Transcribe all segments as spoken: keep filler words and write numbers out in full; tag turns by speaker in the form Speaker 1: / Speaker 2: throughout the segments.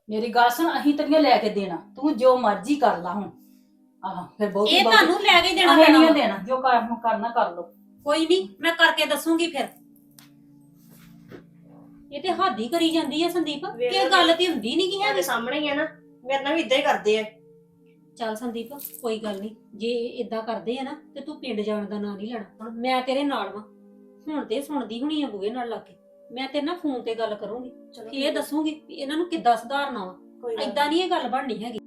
Speaker 1: ਮੇਰੀ ਗੱਲ ਸੁਣ, ਅਸੀਂ ਤੇਰੀਆਂ ਲੈ ਕੇ ਦੇਣਾ, ਤੂੰ ਜੋ ਮਰਜ਼ੀ ਕਰ ਲਾ ਹੁਣ। ਆਹ ਫਿਰ ਬਹੁਤ
Speaker 2: ਇਹ ਤੁਹਾਨੂੰ ਲੈ ਕੇ ਦੇਣਾ
Speaker 1: ਅਸੀਂ
Speaker 2: ਪੈਣਾ
Speaker 1: ਨਹੀਂ
Speaker 2: ਵਾ।
Speaker 1: ਦੇਣਾ, ਜੋ ਕਰ ਕਰਨਾ ਕਰ ਲੋ।
Speaker 2: ਕੋਈ ਨਹੀਂ, ਮੈਂ ਕਰਕੇ ਦੱਸੂਗੀ ਫਿਰ। ਇਹ ਤੇ ਹੱਦ ਹੀ ਕਰੀ ਜਾਂਦੀ ਹੈ ਸੰਦੀਪ,
Speaker 3: ਵੇਖ
Speaker 2: ਇਹ ਗੱਲ ਤੇ ਹੁੰਦੀ ਨਹੀਂ ਕੀ
Speaker 3: ਤੁਹਾਡੇ
Speaker 2: ਹੈ।
Speaker 3: ਸਾਹਮਣੇ ਹੀ ਆ ਨਾ, ਮੇਰੇ ਨਾਲ ਵੀ ਇਦਾਂ ਹੀ ਕਰਦੇ ਆ।
Speaker 2: ਚੱਲ ਸੰਦੀਪ, ਕੋਈ ਗੱਲ ਨਹੀਂ, ਜੇ ਇਦਾਂ ਕਰਦੇ ਆ ਨਾ ਤੇ ਤੂੰ ਪਿੰਡ ਜਾਣ ਦਾ ਨਾਂ ਨਹੀਂ ਲੈਣਾ। ਮੈਂ ਤੇਰੇ ਨਾਲ ਵਾਂ, ਹੁਣ ਤੇ ਸੁਣਦੀ ਹੁਣੀ ਆ ਬੂਹੇ ਨਾਲ ਲੱਗ ਕੇ। ਮੈਂ ਤੇਰੇ ਨਾਲ ਫੋਨ ਤੇ ਗੱਲ ਕਰੂੰਗੀ,
Speaker 3: ਚਲੋ
Speaker 2: ਇਹ ਦੱਸੂਗੀ ਵੀ ਇਹਨਾਂ ਨੂੰ ਕਿੱਦਾਂ ਸੁਧਾਰਨਾ ਵਾ।
Speaker 3: ਕੋਈ ਗੱਲ
Speaker 2: ਏਦਾਂ ਨਹੀਂ ਇਹ ਗੱਲ ਬਣਨੀ ਹੈਗੀ।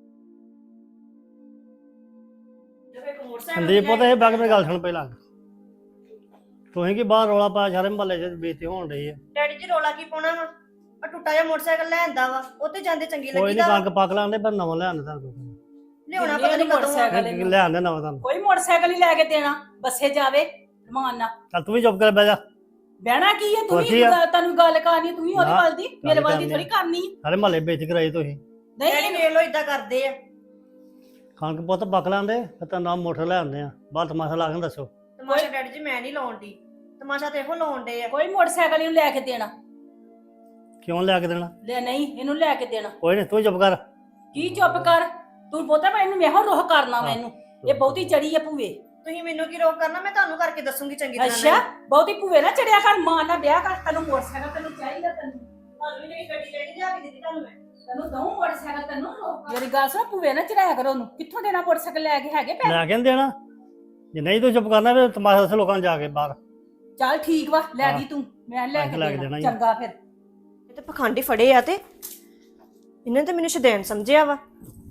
Speaker 4: ਸੰਦੀਪ ਪੁੱਤ ਇਹ ਬੈਗ ਮੇਰੀ ਗੱਲ ਸੁਣ ਪਹਿਲਾਂ। ਤੁਸੀਂ ਕੀ ਬਾਹਰ ਰੌਲਾ ਪਾਇਆ ਸਾਰੇ ਮਹੱਲੇ 'ਚ ਬੇਇੱਜ਼ਤੀ ਹੋਣ ਰਹੀ ਹੈ।
Speaker 3: ਡੈਡੀ ਜੀ ਰੋਲਾ ਕੀ ਪਾਉਣਾ ਵਾ? ਆ ਟੁੱਟਾ ਜਿਹਾ ਮੋਟਰਸਾਈਕਲ ਲੈਂਦਾ ਵਾ, ਉੱਤੇ ਜਾਂਦੇ ਚੰਗੀ
Speaker 4: ਕੋਈ
Speaker 3: ਲੱਗੀਦਾ
Speaker 4: ਨਹੀਂ ਕਣਕ ਪੱਕ ਲਾਂਦੇ ਪਰ ਨਵਾਂ ਲਿਆਂਦੇ ਤੁਹਾਨੂੰ।
Speaker 3: ਲਿਆਉਣਾ ਪਤਾ ਨਹੀਂ ਕਦੋਂ ਆ।
Speaker 1: ਮੋਟਰਸਾਈਕਲ
Speaker 4: ਲਿਆਂਦੇ ਨਵਾਂ ਤੁਹਾਨੂੰ।
Speaker 1: ਕੋਈ ਮੋਟਰਸਾਈਕਲ ਹੀ ਲੈ ਕੇ ਦੇਣਾ, ਬੱਸੇ ਜਾਵੇ ਰਮਾਨ ਨਾਲ।
Speaker 4: ਚੱਲ ਤੂੰ ਵੀ ਚੁੱਪ ਕਰ ਬਹਿ ਜਾ।
Speaker 1: ਬਹਿਣਾ ਕੀ ਹੈ, ਤੂੰ
Speaker 4: ਕੁਛ ਹੀ
Speaker 1: ਵੀ
Speaker 4: ਆ।
Speaker 1: ਤੈਨੂੰ ਗੱਲ ਕਰਨੀ, ਤੂੰ ਹੀ ਉਹਦੇ
Speaker 4: ਨਾ,
Speaker 1: ਵੱਲ ਦੀ, ਮੇਰੇ ਵੱਲ ਦੀ
Speaker 4: ਕਰਨੀ
Speaker 1: ਥੋੜੀ ਕਰਨੀ।
Speaker 4: ਸਾਰੇ ਮਹੱਲੇ ਬੇਇੱਜ਼ਤੀ ਕਰਾਈ ਤੁਸੀਂ।
Speaker 3: ਡੈਡੀ
Speaker 1: ਨਹੀਂ
Speaker 3: ਵੇਖ ਲੋ ਇਦਾਂ ਕਰਦੇ ਆ।
Speaker 4: ਕਣਕ ਪੁੱਤ ਪੱਕ ਲਾਂਦੇ ਫਿਰ ਤਾਂ ਨਾ ਮੋਟਰ ਲਿਆਂਦੇ ਆ। ਬਾਹਰ ਤਮਾਸ਼ਾ ਲਾ ਕੇ ਦੱਸੋ।
Speaker 3: ਤਮਾਸ਼ਾ ਡੈਡੀ ਜੀ ਮੈਂ ਨਹੀਂ ਲਾਉਣ ਦੀ, ਤਮਾਸ਼ਾ ਤੇ ਇਹੋ ਲਾਉਣ ਦੇ ਆ।
Speaker 1: ਕੋਈ ਮੋਟਰਸਾਈਕਲ ਇਹਨੂੰ ਲੈ ਕੇ ਦੇਣਾ।
Speaker 4: ਕਿਉਂ ਲਿਆ ਕੇ ਦੇਣਾ?
Speaker 1: ਲੈ ਨਹੀਂ, ਇਹਨੂੰ ਲੈ ਕੇ ਦੇਣਾ।
Speaker 4: ਕੋਈ ਨਹੀਂ ਤੂੰ ਚੁੱਪ ਕਰ।
Speaker 1: ਕੀ ਚੁੱਪ ਕਰ, ਤੂੰ ਬੋਤਾ ਮੈਂ ਇਹਨੂੰ ਮੇਹੋ ਰੋਹ ਕਰਨਾ। ਮੈਨੂੰ ਇਹ ਬਹੁਤੀ ਚੜੀ ਆ ਭੂਵੇ।
Speaker 3: ਤੁਸੀਂ ਮੈਨੂੰ ਕੀ ਰੋਕ ਕਰਨਾ, ਮੈਂ ਤੁਹਾਨੂੰ ਕਰਕੇ ਦੱਸੂਗੀ ਚੰਗੀ ਤਰ੍ਹਾਂ।
Speaker 1: ਅੱਛਾ, ਬਹੁਤੀ ਭੂਵੇ ਨਾ ਚੜਿਆ ਕਰ, ਮਾਂ ਨਾਲ ਵਿਆਹ ਕਰ। ਤੈਨੂੰ ਮੋਟਰਸਾਈਕਲ ਤੈਨੂੰ ਚਾਹੀਦਾ, ਤੈਨੂੰ
Speaker 3: ਤੁਹਾਨੂੰ ਵੀ ਨਹੀਂ ਗੱਡੀ ਡੈਡੀ ਲਿਆ ਕੇ ਦਿੱਤੀ ਤੁਹਾਨੂੰ ਮੈਂ।
Speaker 1: ਤੈਨੂੰ ਦਊਂ ਮੋਟਰਸਾਈਕਲ, ਤੈਨੂੰ ਰੋਕ। ਮੇਰੀ ਗੱਲ ਸੁਣ, ਭੂਵੇ ਨਾ ਚੜਾਇਆ ਕਰੋ ਉਹਨੂੰ। ਕਿੱਥੋਂ ਦੇਣਾ ਮੋਟਰਸਾਈਕਲ? ਲੈ ਕੇ ਹੈਗੇ ਪੈਸੇ?
Speaker 4: ਲੈ ਕੇ ਨੀ ਦੇਣਾ। ਜੇ ਨਹੀਂ ਤੂੰ ਚੁੱਪ ਕਰਨਾ ਫਿਰ ਤਮਾਸ਼ਾ ਦੱਸੋ ਲੋਕਾਂ ਨੂੰ ਜਾ ਕੇ ਬਾਹਰ।
Speaker 1: ਚੱਲ ਠੀਕ ਵਾ, ਲੈ
Speaker 4: ਹਾਂ।
Speaker 1: ਦੀ ਤੂੰ, ਮੈਂ ਲੈ
Speaker 4: ਪੈਸੇ
Speaker 1: ਕੇ
Speaker 4: ਲੈ ਕੇ
Speaker 1: ਦੇਣਾ।
Speaker 4: ਦੇਣਾ ਹੀ।
Speaker 1: ਚੰਗਾ ਫਿਰ।
Speaker 3: ਇਹ ਤੇ ਪਖੰਡੀ ਫੜੇ ਆ ਤੇ ਇਹਨਾਂ ਤੇ ਮੈਨੂੰ ਸ਼ੈਤਾਨ ਸਮਝਿਆ ਵਾ।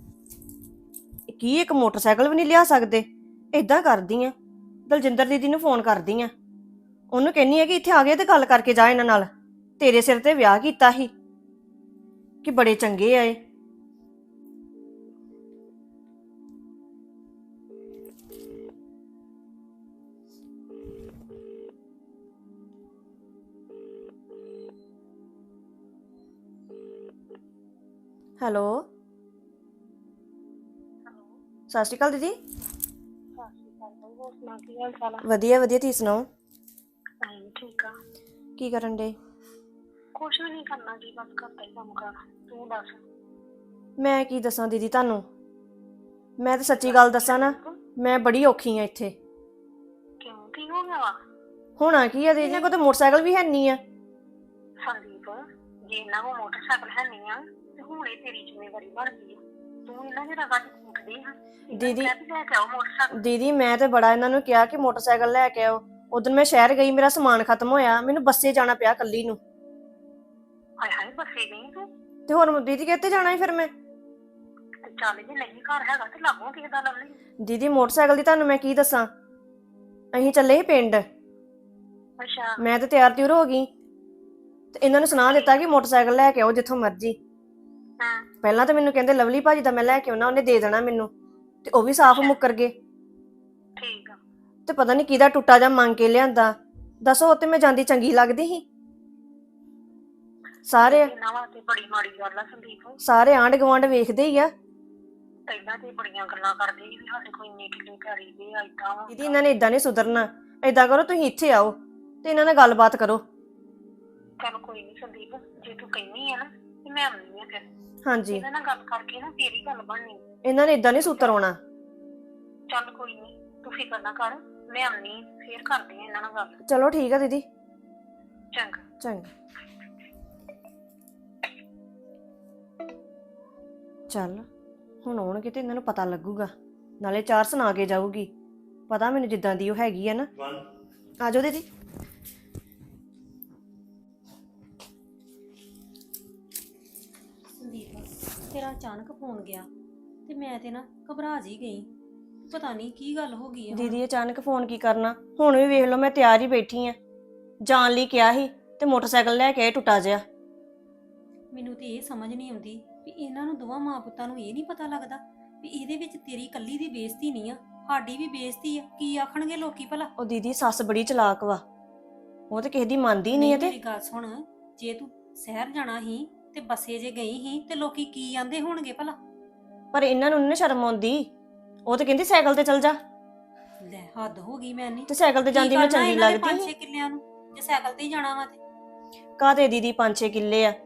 Speaker 3: ਕੀ ਇੱਕ ਮੋਟਰਸਾਈਕਲ ਵੀ ਨਹੀਂ ਲਿਆ ਸਕਦੇ? ਏਦਾਂ ਕਰਦੀ ਆ, ਦਲਜਿੰਦਰ ਦੀਦੀ ਨੂੰ ਫੋਨ ਕਰਦੀ ਆ, ਉਹਨੂੰ ਕਹਿੰਨੀ ਆ ਕਿ ਇੱਥੇ ਆ ਗਏ ਤੇ ਗੱਲ ਕਰਕੇ ਜਾ ਇਹਨਾਂ ਨਾਲ। ਤੇਰੇ ਸਿਰ ਤੇ ਵਿਆਹ ਕੀਤਾ ਸੀ ਕਿ ਬੜੇ ਚੰਗੇ ਆਏ। ਹੈਲੋ, ਸਤਿ ਸ਼੍ਰੀ ਅਕਾਲ ਦੀਦੀ। ਵਧੀਆ ਵਧੀਆ, ਤੁਸੀਂ ਸੁਣਾਓ?
Speaker 5: ਠੀਕ ਆ।
Speaker 3: ਕੀ ਕਰਨ ਡੇ?
Speaker 5: ਕੁਛ ਵੀ ਨਹੀਂ ਕਰਨਾ ਜੀ, ਬਸ ਘਰ ਦਾ ਹੀ ਕੰਮ ਕਰ। ਤੂੰ ਦੱਸ।
Speaker 3: ਮੈਂ ਕੀ ਦੱਸਾਂ ਦੀਦੀ ਤੁਹਾਨੂੰ, ਮੈਂ ਤਾਂ ਸੱਚੀ ਗੱਲ ਦੱਸਾਂ ਨਾ, ਮੈਂ ਬੜੀ ਔਖੀ ਆ ਇੱਥੇ।
Speaker 5: ਕਿਉਂ, ਕੀ ਹੋ ਗਿਆ ਵਾ?
Speaker 3: ਹੋਣਾ ਕੀ ਆ ਦੀਦੀ, ਕੋਲ ਤਾਂ ਮੋਟਰਸਾਈਕਲ ਵੀ ਹੈ ਨਹੀਂ ਆ।
Speaker 5: ਸੰਦੀਪ, ਜੇ ਇਹਨਾਂ ਕੋਲ ਮੋਟਰਸਾਈਕਲ ਹੈ ਨਹੀਂ ਆ ਤੇ ਹੁਣ ਇਹ ਤੇਰੀ ਜ਼ਿੰਮੇਵਾਰੀ ਬਣ ਗਈ ਆ। ਤੂੰ ਇਹਨਾਂ ਦੇ ਰਗਾਂ ਚ ਫੂਕਦੀ ਆ।
Speaker 3: ਦੀਦੀ
Speaker 5: ਲੈ ਕੇ ਆਓ ਮੋਟਰਸਾਈਕਲ।
Speaker 3: ਦੀਦੀ ਮੈਂ ਤੇ ਬੜਾ ਇਹਨਾਂ ਨੂੰ ਕਿਹਾ ਕਿ ਮੋਟਰਸਾਈਕਲ ਲੈ ਕੇ ਆਓ। ਉਦੋਂ ਮੈਂ ਸ਼ਹਿਰ ਗਈ, ਮੇਰਾ ਸਮਾਨ ਖਤਮ ਹੋਇਆ, ਮੈਨੂੰ ਬੱਸੇ ਜਾਣਾ ਪਿਆ ਕੱਲੀ ਨੂੰ।
Speaker 5: ਹਾਏ ਹਾਏ, ਬੱਸੇ ਗਈ ਤੂੰ?
Speaker 3: ਤੇ ਹੋਰ ਦੀਦੀ ਕਿੱਥੇ ਜਾਣਾ ਸੀ ਫਿਰ ਮੈਂ?
Speaker 5: ਚੱਲ ਜੇ ਨਹੀਂ ਘਰ ਹੈਗਾ ਤੇ ਲਾਗੋਂ ਕਿਸੇ ਦਾ ਲੱਭ ਲਈ।
Speaker 3: ਦੀਦੀ ਮੋਟਰਸਾਈਕਲ ਦੀ ਤੁਹਾਨੂੰ ਮੈਂ ਕੀ ਦੱਸਾਂ, ਅਸੀਂ ਚੱਲੇ ਸੀ ਪਿੰਡ।
Speaker 5: ਅੱਛਾ।
Speaker 3: ਮੈਂ ਤਾਂ ਤਿਆਰ ਤਿਉਰ ਹੋ ਗਈ ਤੇ ਇਹਨਾਂ ਨੂੰ ਸੁਣਾ ਦਿੱਤਾ ਕਿ ਮੋਟਰਸਾਈਕਲ ਲੈ ਕੇ ਆਓ ਜਿੱਥੋਂ ਮਰਜ਼ੀ।
Speaker 5: ਹਾਂ।
Speaker 3: ਪਹਿਲਾਂ ਤਾਂ ਮੈਨੂੰ ਕਹਿੰਦੇ ਲਵਲੀ ਭਾਜੀ ਦਾ ਮੈਂ ਲੈ ਕੇ ਆਉਣਾ, ਉਹਨੇ ਦੇ ਦੇਣਾ ਮੈਨੂੰ, ਤੇ ਉਹ ਵੀ ਸਾਫ਼ ਮੁੱਕਰ ਗਏ।
Speaker 5: ਠੀਕ ਆ।
Speaker 3: ਤੇ ਪਤਾ ਨਹੀਂ ਕਿਹਦਾ ਟੁੱਟਾ ਜਾਂ ਮੰਗ ਕੇ ਲਿਆਂਦਾ। ਦੱਸੋ, ਉੱਤੇ ਮੈਂ ਜਾਂਦੀ ਚੰਗੀ ਲੱਗਦੀ ਸੀ? ਸਾਰੇ
Speaker 5: ਇਹਨਾਂ ਵਾਸਤੇ ਬੜੀ ਮਾੜੀ ਗੱਲ ਆ ਸੰਦੀਪ।
Speaker 3: ਸਾਰੇ ਆਂਢ ਗੁਆਂਢ ਵੇਖਦੇ ਹੀ ਆ।
Speaker 5: ਪਹਿਲਾਂ ਤੇ ਬੜੀਆਂ ਗੱਲਾਂ ਕਰਦੇ ਸੀ ਵੀ ਸਾਡੇ ਕੋਈ ਇੰਨੇ ਕਿੱਲੇ ਘਰੀ ਦੇ ਆ, ਏਦਾਂ ਵਾ।
Speaker 3: ਦੀਦੀ ਇਹਨਾਂ ਨੇ ਇਦਾਂ ਨਹੀਂ ਸੁਧਰਨਾ। ਏਦਾਂ ਕਰੋ, ਤੁਸੀਂ ਇੱਥੇ ਆਓ ਤੇ ਇਹਨਾਂ ਨਾਲ ਗੱਲਬਾਤ ਕਰੋ।
Speaker 5: ਚੱਲ ਕੋਈ ਨਹੀਂ ਸੰਦੀਪ, ਜੇ ਤੂੰ ਕਹਿੰਦੀ ਆ ਨਾ ਤੇ ਮੈਂ ਆਉਂਦੀ ਆ ਫਿਰ।
Speaker 3: ਹਾਂਜੀ,
Speaker 5: ਇਹਨਾਂ ਨਾਲ ਗੱਲ ਕਰਕੇ ਨਾ ਫੇਰ ਹੀ ਗੱਲ ਬਣਨੀ।
Speaker 3: ਇਹਨਾਂ ਨੇ ਇਦਾਂ ਨਹੀਂ ਸੂਤਰ ਆਉਣਾ।
Speaker 5: ਚੱਲ ਕੋਈ ਨਹੀਂ, ਤੂੰ ਫਿਕਰ ਨਾ ਕਰ, ਮੈਂ ਆਉਂਦੀ ਫੇਰ ਕਰਦੀ ਆ ਇਹਨਾਂ ਨਾਲ ਗੱਲ।
Speaker 3: ਚਲੋ ਠੀਕ ਆ ਦੀਦੀ,
Speaker 5: ਚੰਗਾ।
Speaker 3: ਚੰਗਾ। ਚੱਲ ਹੁਣ ਆਉਣਗੇ ਤੇ ਇਹਨਾਂ ਨੂੰ ਪਤਾ ਲੱਗੂਗਾ, ਨਾਲੇ ਚਾਰ ਸੁਣਾ ਕੇ ਜਾਊਗੀ। ਪਤਾ ਮੈਨੂੰ ਜਿੱਦਾਂ ਦੀ ਉਹ ਹੈਗੀ ਆ ਨਾ। ਆ ਜਾਓ ਦੀਦੀ।
Speaker 2: ਸੰਦੀਪ, ਤੇਰਾ ਅਚਾਨਕ ਫੋਨ ਗਿਆ ਤੇ ਮੈਂ ਤੇ ਨਾ ਘਬਰਾ ਜੀ ਗਈ। ਪਤਾ ਨਹੀਂ ਕੀ ਗੱਲ ਹੋ ਗਈ ਆ।
Speaker 3: ਦੀਦੀ ਅਚਾਨਕ ਫੋਨ ਕੀ ਕਰਨਾ, ਹੁਣ ਵੀ ਵੇਖ ਲਓ ਮੈਂ ਤਿਆਰ ਹੀ ਬੈਠੀ ਆ, ਜਾਣ ਲਈ ਕਿਹਾ ਸੀ ਤੇ ਮੋਟਰਸਾਈਕਲ ਲੈ ਕੇ ਆਏ ਟੁੱਟਾ ਜਿਹਾ।
Speaker 2: ਮੈਨੂੰ ਤੇ ਇਹ ਸਮਝ ਨਹੀਂ ਆਉਂਦੀ ਵੀ ਇਹਨਾਂ ਨੂੰ ਦੋਵਾਂ ਮਾਂ ਪੁੱਤਾਂ ਨੂੰ ਇਹ ਨਹੀਂ ਪਤਾ ਲੱਗਦਾ ਵੀ ਇਹਦੇ ਵਿੱਚ ਤੇਰੀ ਇਕੱਲੀ ਦੀ ਬੇਇੱਜ਼ਤੀ ਨਹੀਂ ਆ, ਸਾਡੀ ਵੀ ਬੇਇੱਜ਼ਤੀ ਆ। ਕੀ ਆਖਣਗੇ ਲੋਕੀ ਭਲਾ?
Speaker 3: ਉਹ ਦੀਦੀ ਸੱਸ ਬੜੀ ਚਲਾਕ ਵਾ, ਉਹ ਤੇ ਕਿਸੇ ਦੀ ਮੰਨਦੀ ਨਹੀਂ ਹੈ। ਤੇ
Speaker 2: ਮੇਰੀ ਗੱਲ ਸੁਣ, ਜੇ ਤੂੰ ਸ਼ਹਿਰ ਜਾਣਾ ਸੀ ਤੇ ਬੱਸੇ ਜੇ ਗਈ ਸੀ ਤੇ ਲੋਕੀ ਕੀ ਆਂਦੇ ਹੋਣਗੇ ਭਲਾ?
Speaker 3: ਪਰ ਇਹਨਾਂ ਨੂੰ ਨੀ ਸ਼ਰਮ ਆਉਂਦੀ, ਉਹ ਤੇ ਕਹਿੰਦੀ ਸਾਈਕਲ ਤੇ ਚੱਲ ਜਾ।
Speaker 2: ਲੈ ਹੱਦ ਹੋ ਗਈ। ਮੈਂ ਨਹੀਂ
Speaker 3: ਤੇ ਸਾਈਕਲ ਤੇ ਜਾਂਦੀ ਮੈਂ ਚੰਗੀ ਲੱਗਦੀ
Speaker 2: ਪੰਜ ਛੇ ਕਿੱਲਿਆਂ ਨੂੰ ਜੇ ਸਾਈਕਲ ਤੇ ਹੀ ਜਾਣਾ ਵਾ ਤੇ
Speaker 3: ਕਾਹਦੇ ਦੀਦੀ ਪੰਜ ਛੇ ਕਿੱਲੇ ਆ,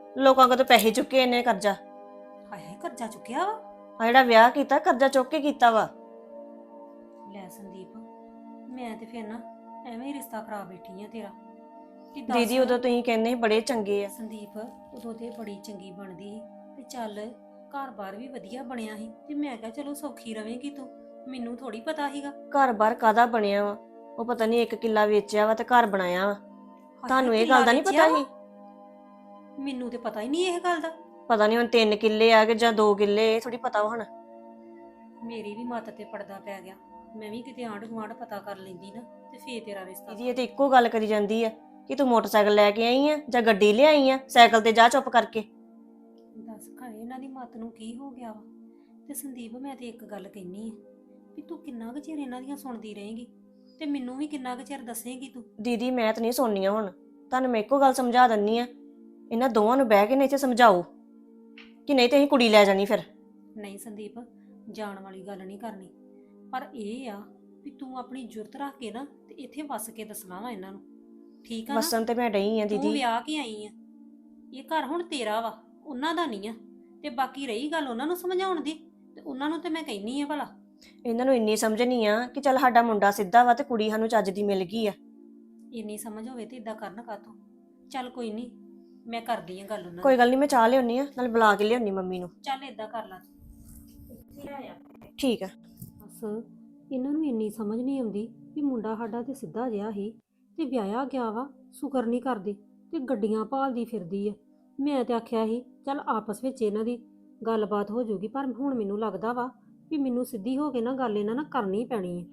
Speaker 3: ਲੋਕਾਂ ਕੋਲ ਤਾਂ ਪੈਸੇ ਚੁੱਕੇ ਇਹਨੇ ਕਰਜ਼ਾ।
Speaker 2: ਹਾਏ ਹਾਏ ਕਰਜ਼ਾ ਚੁੱਕਿਆ ਵਾ।
Speaker 3: ਆ ਜਿਹੜਾ ਵਿਆਹ ਕੀਤਾ ਕਰਜ਼ਾ ਚੁੱਕ ਕੇ ਕੀਤਾ ਵਾ।
Speaker 2: ਲੈ ਸੰਦੀਪ, ਮੈਂ ਤੇ ਫਿਰ ਨਾ ਐਵੇਂ ਹੀ ਰਿਸ਼ਤਾ ਖਰਾਬ ਬੈਠੀ ਆ ਤੇਰਾ ਕਿ ਦੱਸ।
Speaker 3: ਦੀਦੀ ਉਦੋਂ ਤੁਸੀਂ ਕਹਿੰਦੇ ਸੀ ਬੜੇ ਚੰਗੇ ਆ।
Speaker 2: ਸੰਦੀਪ ਉਦੋਂ ਤੇ ਬੜੀ ਚੰਗੀ ਬਣਦੀ ਸੀ ਤੇ ਚੱਲ ਘਰ-ਬਾਰ ਵੀ ਵਧੀਆ ਬਣਿਆ ਸੀ ਤੇ ਮੈਂ ਕਿਹਾ ਚਲੋ ਸੌਖੀ ਰਵੇਂਗੀ ਤੂੰ। ਮੈਨੂੰ ਥੋੜੀ ਪਤਾ ਸੀਗਾ।
Speaker 3: ਘਰ-ਬਾਰ ਕਾਦਾ ਬਣਿਆ ਵਾ? ਉਹ ਪਤਾ ਨਹੀਂ ਇੱਕ ਕਿੱਲਾ ਵੇਚਿਆ ਵਾ ਤੇ ਘਰ ਬਣਾਇਆ ਵਾ। ਤੁਹਾਨੂੰ ਇਹ ਗੱਲ ਦਾ ਨਹੀਂ ਪਤਾ ਸੀ?
Speaker 2: ਮੈਨੂੰ ਤੇ ਪਤਾ ਹੀ ਨਹੀਂ ਇਹ ਗੱਲ ਦਾ।
Speaker 3: ਪਤਾ ਨਹੀਂ ਹੁਣ ਤਿੰਨ ਕਿੱਲੇ ਆ ਕਿ ਜਾਂ ਦੋ ਕਿੱਲੇ, ਇਹ ਥੋੜੀ ਪਤਾ ਵਾ ਹੁਣ।
Speaker 2: ਮੇਰੀ ਵੀ ਮੱਤ ਤੇ ਪਰਦਾ ਪੈ ਗਿਆ। ਮੈਂ ਵੀ ਕਿਤੇ ਆਂਢ ਗੁਆਂਢ ਪਤਾ ਕਰ ਲੈਂਦੀ ਨਾ ਤੇ ਫੇਰ ਤੇਰਾ ਰਿਸ਼ਤਾ।
Speaker 3: ਦੀਦੀ ਇਹ ਤੇ ਇੱਕੋ ਗੱਲ ਕਰੀ ਜਾਂਦੀ ਆ ਕਿ ਤੂੰ ਮੋਟਰਸਾਈਕਲ ਲੈ ਕੇ ਆਈ ਆ ਜਾਂ ਗੱਡੀ ਲਿਆਈ ਆ, ਸਾਈਕਲ ਤੇ ਜਾ ਚੁੱਪ ਕਰਕੇ।
Speaker 2: ਦੱਸ ਘਰੇ ਇਹਨਾਂ ਦੀ ਮੱਤ ਨੂੰ ਕੀ ਹੋ ਗਿਆ ਵਾ। ਤੇ ਸੰਦੀਪ ਮੈਂ ਤੇ ਇੱਕ ਗੱਲ ਕਹਿਨੀ ਆ ਵੀ ਤੂੰ ਕਿੰਨਾ ਕੁ ਚਿਰ ਇਹਨਾਂ ਦੀਆਂ ਸੁਣਦੀ ਰਹੇਂਗੀ ਤੇ ਮੈਨੂੰ ਵੀ ਕਿੰਨਾ ਕੁ ਚਿਰ ਦੱਸੇਂਗੀ ਤੂੰ।
Speaker 3: ਦੀਦੀ ਮੈਂ ਤਾਂ ਨਹੀਂ ਸੁਣਨੀਆਂ ਹੁਣ, ਤੁਹਾਨੂੰ ਮੈਂ ਇੱਕੋ ਗੱਲ ਸਮਝਾ ਦਿੰਨੀ ਆ, ਇਹਨਾਂ ਦੋਵਾਂ ਨੂੰ ਬਹਿ ਕੇ ਨਹੀਂ ਇੱਥੇ ਸਮਝਾਓ ਕਿ ਨਹੀਂ ਤੇ ਅਸੀਂ ਕੁੜੀ ਲੈ ਜਾਣੀ ਫਿਰ।
Speaker 2: ਨਹੀਂ ਸੰਦੀਪ, ਜਾਣ ਵਾਲੀ ਗੱਲ ਨਹੀਂ ਕਰਨੀ, ਪਰ ਇਹ ਆ ਵੀ ਤੂੰ ਆਪਣੀ ਜੁਰਤ ਰੱਖ ਕੇ ਨਾ ਤੇ ਇੱਥੇ ਵਸ ਕੇ ਦੱਸਣਾ ਵਾ ਇਹਨਾਂ ਨੂੰ, ਠੀਕ ਆ ਨਾ?
Speaker 3: ਵਸਣ ਤੇ ਮੈਂ ਡਈ ਆ
Speaker 2: ਤੂੰ
Speaker 3: ਦੀਦੀ।
Speaker 2: ਵਿਆਹ ਕੇ ਆਈ ਆ, ਇਹ ਘਰ ਹੁਣ ਤੇਰਾ ਵਾ, ਉਹਨਾਂ ਦਾ ਨਹੀਂ ਆ। ਤੇ ਬਾਕੀ ਰਹੀ ਗੱਲ ਉਹਨਾਂ ਨੂੰ ਸਮਝਾਉਣ ਦੀ, ਤੇ ਉਹਨਾਂ ਨੂੰ ਤੇ ਮੈਂ ਕਹਿਨੀ ਆ ਭਲਾ
Speaker 3: ਇਹਨਾਂ ਨੂੰ ਇੰਨੀ ਸਮਝ ਨਹੀਂ ਆ ਕਿ ਚੱਲ ਸਾਡਾ ਮੁੰਡਾ ਸਿੱਧਾ ਵਾ ਤੇ ਕੁੜੀ ਸਾਨੂੰ ਚੱਜ ਦੀ ਮਿਲ ਗਈ ਆ।
Speaker 2: ਇੰਨੀ ਸਮਝ ਹੋਵੇ ਤੇ ਇਦਾਂ ਕਰਨ ਕਾਤੋਂ। ਚੱਲ ਕੋਈ ਨਹੀਂ, ਮੈਂ ਕਰਦੀ ਆ ਗੱਲ ਉਹਨਾਂ
Speaker 3: ਕੋਈ ਗੱਲ ਨਹੀਂ, ਮੈਂ ਚਾਹ ਲਿਆਉਣੀ ਆ, ਨਾਲ ਬੁਲਾ ਕੇ ਲਿਆਉਣੀ ਮੰਮੀ ਨੂੰ।
Speaker 2: ਚੱਲ ਇਦਾਂ ਕਰ ਲਾ
Speaker 3: ਠੀਕ ਆ।
Speaker 2: ਬਸ ਇਹਨਾਂ ਨੂੰ ਇੰਨੀ ਸਮਝ ਨਹੀਂ ਆਉਂਦੀ ਵੀ ਮੁੰਡਾ ਸਾਡਾ ਤੇ ਸਿੱਧਾ ਜਿਹਾ ਸੀ ਤੇ ਵਿਆਹਿਆ ਗਿਆ ਵਾ, ਸ਼ੁਕਰ ਨਹੀਂ ਕਰਦੀ ਤੇ ਗੱਡੀਆਂ ਭਾਲਦੀ ਫਿਰਦੀ ਆ। ਮੈਂ ਤੇ ਆਖਿਆ ਸੀ ਚੱਲ ਆਪਸ ਵਿੱਚ ਇਹਨਾਂ ਦੀ ਗੱਲਬਾਤ ਹੋ ਜਾਊਗੀ, ਪਰ ਹੁਣ ਮੈਨੂੰ ਲੱਗਦਾ ਵਾ ਵੀ ਮੈਨੂੰ ਸਿੱਧੀ ਹੋ ਕੇ ਨਾ ਗੱਲ ਇਹਨਾਂ ਨਾਲ ਕਰਨੀ ਪੈਣੀ ਹੈ।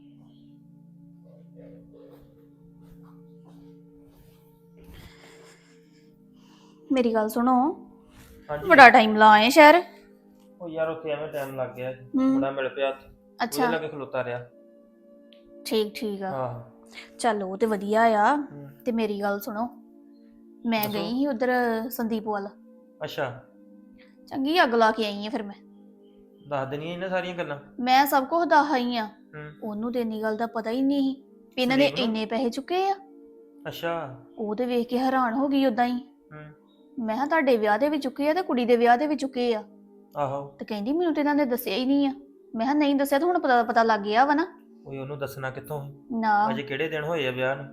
Speaker 6: ਮੇਰੀ ਗੱਲ ਸੁਣੋ,
Speaker 7: ਹਾਂਜੀ
Speaker 6: ਬੜਾ ਟਾਈਮ ਲਾਏ ਸ਼ਹਿਰ।
Speaker 7: ਉਹ ਯਾਰ ਉੱਥੇ ਐਵੇਂ ਟਾਈਮ ਲੱਗ ਗਿਆ
Speaker 6: ਹੂੰ।
Speaker 7: ਮੁੰਡਾ ਮਿਲ ਪਿਆ ਉੱਥੇ
Speaker 6: ਅੱਛਾ
Speaker 7: ਉਹਦੇ ਲੱਗੇ ਖਲੋਤਾ ਰਿਹਾ।
Speaker 6: ਠੀਕ ਠੀਕ ਆ,
Speaker 7: ਆਹ
Speaker 6: ਚੱਲ ਉਹ ਤੇ ਵਧੀਆ ਆ।
Speaker 7: ਹੂੰ।
Speaker 6: ਤੇ ਮੇਰੀ ਗੱਲ ਸੁਣੋ, ਮੈਂ
Speaker 7: ਦੱਸੋ।
Speaker 6: ਗਈ ਸੀ ਉਧਰ ਸੰਦੀਪ ਵੱਲ,
Speaker 7: ਅੱਛਾ
Speaker 6: ਚੰਗੀ ਅੱਗ ਲਾ ਕੇ ਆਈ ਆ। ਫਿਰ ਮੈਂ
Speaker 7: ਦੱਸ ਦੇਣੀਆਂ ਇਹਨਾਂ ਸਾਰੀਆਂ ਗੱਲਾਂ।
Speaker 6: ਮੈਂ ਸਭ ਕੁਝ ਦੱਸ ਆਈ ਆ।
Speaker 7: ਹੂੰ।
Speaker 6: ਉਹਨੂੰ ਤੇ ਇੰਨੀ ਗੱਲ ਦਾ ਪਤਾ ਹੀ ਨਹੀਂ ਸੀ ਵੀ ਇਹਨਾਂ ਨੇ
Speaker 7: ਸੰਦੀਪ ਨੂੰ?
Speaker 6: ਇੰਨੇ ਪੈਸੇ ਚੁੱਕੇ ਆ।
Speaker 7: ਅੱਛਾ।
Speaker 6: ਉਹ ਤੇ ਵੇਖ ਕੇ ਹੈਰਾਨ ਹੋ ਗਈ ਉਦਾਂ ਹੀ।
Speaker 7: ਹੂੰ।
Speaker 6: ਮੈਂ ਕਿਹਾ ਤੁਹਾਡੇ ਵਿਆਹ ਦੇ ਵੀ ਚੁੱਕੇ ਆ ਤੇ ਕੁੜੀ ਦੇ ਵਿਆਹ ਦੇ ਵੀ ਚੁੱਕੇ ਆ।
Speaker 7: ਆਹੋ।
Speaker 6: ਤੇ ਕਹਿੰਦੀ ਮੈਨੂੰ ਤੇ ਇਹਨਾਂ ਨੇ ਦੱਸਿਆ ਹੀ ਨਹੀਂ ਆ। ਮੈਂ ਕਿਹਾ ਨਹੀਂ ਦੱਸਿਆ ਤਾਂ ਹੁਣ ਪਤਾ ਪਤਾ ਲੱਗ ਗਿਆ ਵਾ ਨਾ।
Speaker 7: ਓਏ ਉਹਨੂੰ ਦੱਸਣਾ ਕਿੱਥੋਂ ਸੀ?
Speaker 6: ਨਾ
Speaker 7: ਅਜੇ ਕਿਹੜੇ ਦਿਨ ਹੋਏ ਆ ਵਿਆਹ ਨੂੰ?